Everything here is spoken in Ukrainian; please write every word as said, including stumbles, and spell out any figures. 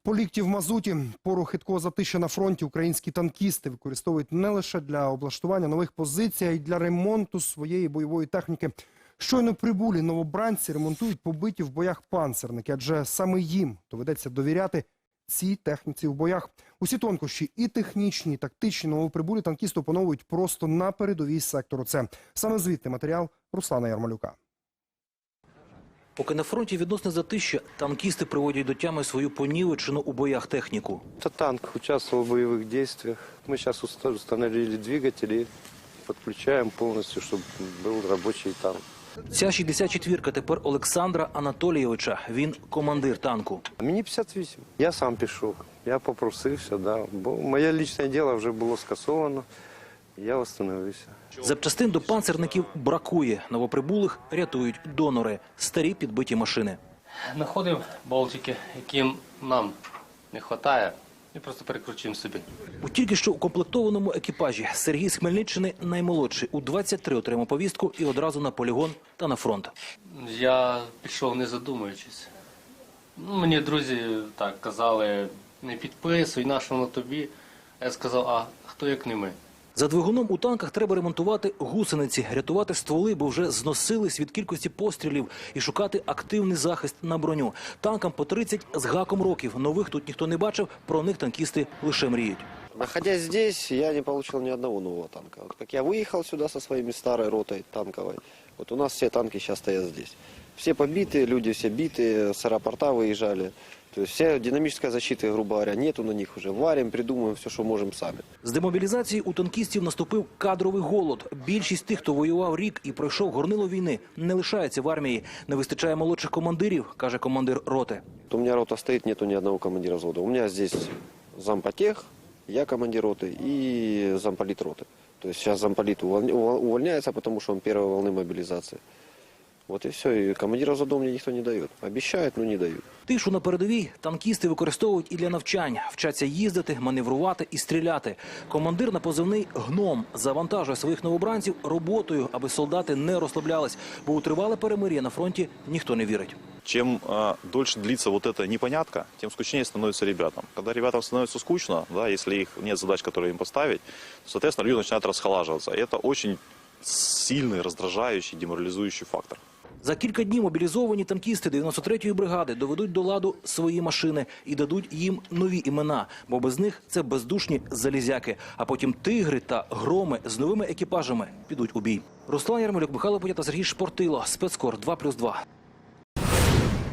По лікті в мазуті, пору хиткого затища на фронті українські танкісти використовують не лише для облаштування нових позицій, а й для ремонту своєї бойової техніки. Щойно прибулі новобранці ремонтують побиті в боях панцерники, адже саме їм доведеться довіряти цій техніці в боях. Усі тонкощі і технічні, і тактичні новоприбулі танкісти опановують просто на передовій сектору С. Саме звідти матеріал Руслана Ярмолюка. Поки на фронті відносне затища, танкісти приводять до тями свою понівечену у боях техніку. Это танк участвовал в боевых действиях. Мы сейчас установили двигатели, подключаем полностью, чтобы был рабочий танк. Ця шістдесят четвірка тепер Олександра Анатолійовича. Він командир танку. Мені п'ятдесят вісім. Я сам пішов. Я попросився, да. Бо моє лічне діло вже було скасовано. Я встановився. Запчастин до панцерників бракує. Новоприбулих рятують донори. Старі підбиті машини. Знаходив болтики, яким нам не вистачає, і просто перекручуємо собі. У тільки що укомплектованому екіпажі Сергій з Хмельниччини наймолодший. У двадцять три отримав повістку і одразу на полігон та на фронт. Я пішов не задумуючись. Ну, мені друзі так казали, не підписуй, на що воно тобі. Я сказав, а хто як не ми? За двигуном у танках треба ремонтувати гусениці, рятувати стволи, бо вже зносились від кількості пострілів, і шукати активний захист на броню. Танкам по тридцять з гаком років. Нових тут ніхто не бачив, про них танкісти лише мріють. Находясь здесь, я не получил ни одного нового танка. Вот как я выехал сюда со своими старой ротой танковой, вот у нас все танки сейчас стоят здесь. Все побиты, люди все битые, с аэропорта выезжали. То есть вся динамическая защита, грубо говоря, нету на них уже. Варим, придумываем все, что можем сами. З демобілізації у танкістів наступив кадровий голод. Більшість тих, хто воював рік і пройшов горнило війни, не лишається в армії. Не вистачає молодших командирів, каже командир роти. У меня рота стоит, нету ни одного командира взвода. У меня здесь зампотех, я командир роты и замполит роты. То есть сейчас замполит увольняется, потому что он первой волны мобилизации. Вот и все. И командира взвода мне никто не дает. Обещают, но не дают. Тишу на передовій танкісти використовують і для навчань. Вчаться їздити, маневрувати і стріляти. Командир на позивний «Гном» завантажує своїх новобранців роботою, аби солдати не розслаблялись. Бо у тривале перемир'я на фронті ніхто не вірить. Чем э, дольше длится вот эта непонятка, тем скучнее становится ребятам. Когда ребятам становится скучно, да, если их нет задач, которые им поставить, то, соответственно, люди начинают расхолаживаться. И это очень сильный, раздражающий, деморализующий фактор. За кілька днів мобілізовані танкісти дев'яносто третьої бригади доведуть до ладу свої машини і дадуть їм нові імена, бо без них це бездушні залізяки. А потім тигри та громи з новими екіпажами підуть у бій. Руслан Ярмолюк, Михайло Подята, Сергій Шпортило, Спецкор два плюс два.